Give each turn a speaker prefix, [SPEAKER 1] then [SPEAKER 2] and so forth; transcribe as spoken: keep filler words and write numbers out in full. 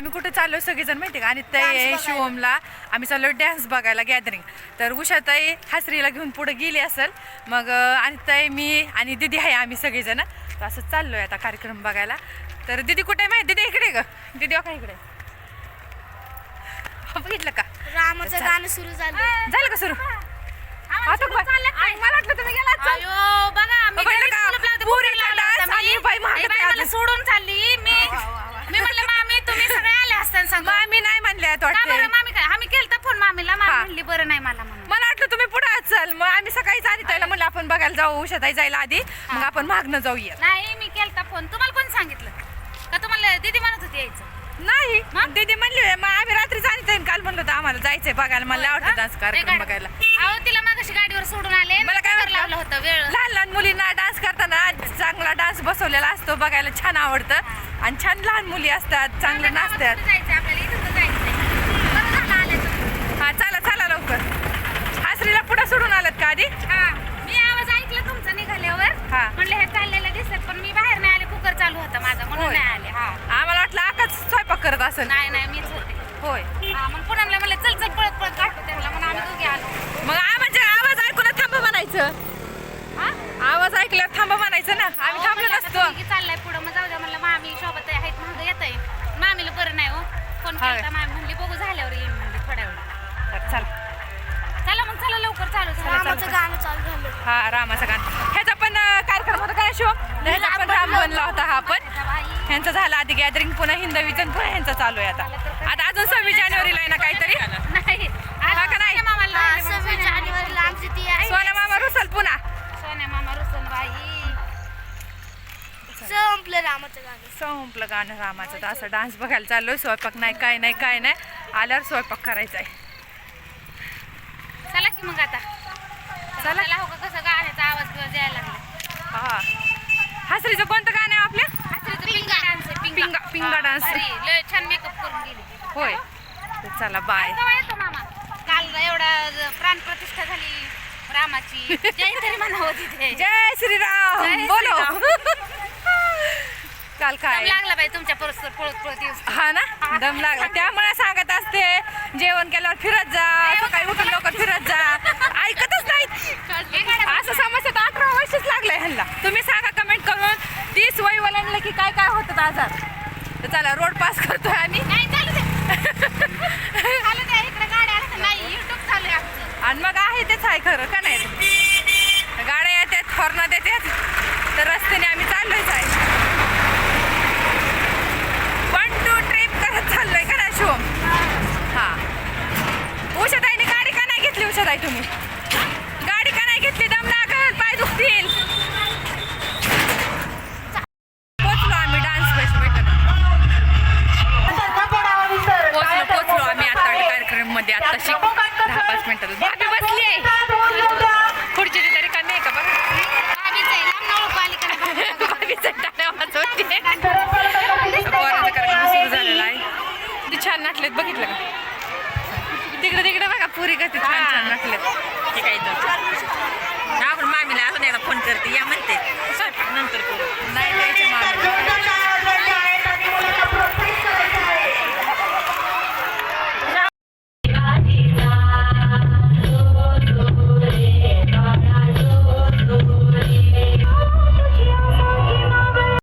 [SPEAKER 1] आम्ही कुठे चाललो सगळेजण माहिती का, आणि ताई शिवमला आम्ही चाललो डॅन्स बघायला गॅदरिंग. तर उषाताई हासरीला घेऊन पुढे गेली असेल, मग आणि ताई मी आणि दीदी आहे आम्ही सगळेजण. तर असं चाललोय आता कार्यक्रम बघायला. तर दीदी कुठे माहिती दीदी इकडे ग, दीदी का इकडे बघितलं का
[SPEAKER 2] रामाचं गाणं सुरू झालं.
[SPEAKER 1] झालं का सुरू? आता मला वाटलं तुम्ही गेला
[SPEAKER 3] सोडून चालली मी मी म्हणलं मामी तुम्ही सगळे आले असताना सांग.
[SPEAKER 1] मामी नाही म्हणले वाटतं.
[SPEAKER 3] मामी काय आम्ही केलता फोन मामीला, मामी म्हणली बरं नाही मला म्हणून.
[SPEAKER 1] मला वाटलं तुम्ही पुढे चल, मग आम्ही सकाळीच आधी त्याला म्हणलं आपण बघायला जाऊ, उषाताई जायला आधी, मग आपण मागणं जाऊया.
[SPEAKER 3] नाही मी केलता फोन. तुम्हाला कोण सांगितलं का? तुम्हाला दीदी म्हणत होती यायचं
[SPEAKER 1] नाही, दीदी म्हणली मग आम्ही रात्री जायचं काल म्हणलं होतं आम्हाला जायचंय बघायला. मला आवडतं डान्स कार्यक्रम बघायला.
[SPEAKER 3] अहो तिला मागाशी गाडीवर सोडून आले,
[SPEAKER 1] मला काय वाटलं
[SPEAKER 3] लावलं होतं वेळ.
[SPEAKER 1] लहान लहान मुलींना डान्स करताना चांगला डान्स बसवलेला असतो, बघायला छान आवडतं आणि छान लहान मुली असतात चांगले नाचतात.
[SPEAKER 3] जायचं आपल्याला इथं जायचं. बरं झालं आलं.
[SPEAKER 1] हा चला चला लवकर. हासरीला पुढे सोडून आलात का आधी?
[SPEAKER 3] हा मी आवाज ऐकला तुमचा निघाल्यावर,
[SPEAKER 1] हा
[SPEAKER 3] म्हणलं हे चाललेलं दिसत, पण मी बाहेर नाही आले, कुकर चालू होता माझा म्हणून नाही आले. हा
[SPEAKER 1] आम्हाला वाटलं आकाच स्वयंपाक करत असेल.
[SPEAKER 3] नाही नाही मीच होते.
[SPEAKER 1] होय
[SPEAKER 3] हा मग पुन्हा म्हणलं चल चल पळत पळत काढतो त्यांना, म्हणून आम्ही दोघे आलो.
[SPEAKER 1] मग म्हणजे आवाज ऐकून थांबा म्हणायचं.
[SPEAKER 3] हा
[SPEAKER 1] आवाज ऐकल्यावर थांबा म्हणायचं ना, आम्ही थांबलो नसतो.
[SPEAKER 3] चाललाय पुढं, मग जाऊ द्या म्हणलं मामी सोबत आहेत महाग येत आहे. मामीला बरं नाही हो, फोन केला मामी म्हणली बघू झाल्यावर येईन म्हणली थोड्या वेळ.
[SPEAKER 1] चला
[SPEAKER 3] चला मग चला लवकर चालू
[SPEAKER 2] रामाचं गाणं चालू झालं.
[SPEAKER 1] हा रामाचं गाणं. ह्याचा पण कार्यक्रम होता काय शिव, ह्याचा पण राम बनला होता हा पण. ह्यांचा झाला आधी गॅदरिंग, पुन्हा हिंदवीचं पुन्हा ह्यांचा चालू आहे आता. आता अजून सव्वीस जानेवारीला आहे ना काहीतरी,
[SPEAKER 3] नाही
[SPEAKER 1] हा का नाही?
[SPEAKER 2] हा, सव्वीस जानेवारीला आमची ती आहे.
[SPEAKER 1] सोना मामा रुसल पुन्हा
[SPEAKER 3] सोन्या मामा रुसून बाई.
[SPEAKER 2] संपलं रामाचं गाणं.
[SPEAKER 1] संपलं गाणं रामाचं. तर असं डान्स बघायला चाललोय. स्वयंपाक नाही काय नाही काय नाही, आल्यावर स्वयंपाक करायचा आहे.
[SPEAKER 3] चला की मग आता
[SPEAKER 1] चला.
[SPEAKER 3] चला हो का, कसं गाण्याचा आवाज बिवाज यायला लागला.
[SPEAKER 1] हा हासरीचं कोणतं गाणं आहे आपल्या?
[SPEAKER 3] हासरीचं पिंगा डान्स आहे, पिंगा
[SPEAKER 1] पिंगा पिंगा डान्स.
[SPEAKER 3] अरे लय छान मेकअप करून गेली.
[SPEAKER 1] होय तर चला बाय.
[SPEAKER 3] केव्हा येतो मामा? काल एवढा प्राण प्रतिष्ठा झाली रामाची, जय तरी म्हणावं तिथे.
[SPEAKER 1] जय श्रीराम
[SPEAKER 3] जय
[SPEAKER 1] बोलो. काल
[SPEAKER 3] दम
[SPEAKER 1] काय
[SPEAKER 3] लागला बाई तुमच्या परस्पर पळत पळत येऊस.
[SPEAKER 1] हा ना, दम लागला. त्यामुळे सांगत असते जेवण केल्यावर फिरत जा, सकाळी उठून लवकर फिरत जा. ऐकतच नाहीत. असं समजतं अठरा वर्षच लागलंय ह्यांना. तुम्ही सांगा कमेंट करून, तीस वय वलांना की काय काय होतं आजार. तर चला रोड पास करतोय आम्ही.
[SPEAKER 3] नाही चालू दे चालू दे, इकडे गाड्या आल्या नाही, युट्यूब चालू आहे आमचं.
[SPEAKER 1] आणि मग आहे तेच आहे खरं का नाही. गाड्या येतात, हॉर्नात येतात, तर रस्त्याने आम्ही चाललोयच आहे. वन टू ट्रिप करत चाललोय का ना शिवम? हा उषाताईने गाडी का नाही घेतली? उषाताई तुम्ही गाडी का नाही घेतली? दम लागल, पाय दुखतील. पोचलो आम्ही डान्स बेस्ट भेटत. पोचलो पोचलो आम्ही आता कार्यक्रम मध्ये. आता शिक दहा पाच मिनिटात भाभी बसली आहे. पुढची तरी कमी आहे का बघा. पोराचा कार्यक्रम सुरू झालेला आहे. किती छान नाचलेत बघितलं का? तिकडे तिकडे बघा पुरी कशी छान छान नाचलेत. आपण मामीला अजून एकदा फोन करते या म्हणते नंतर करू. नाही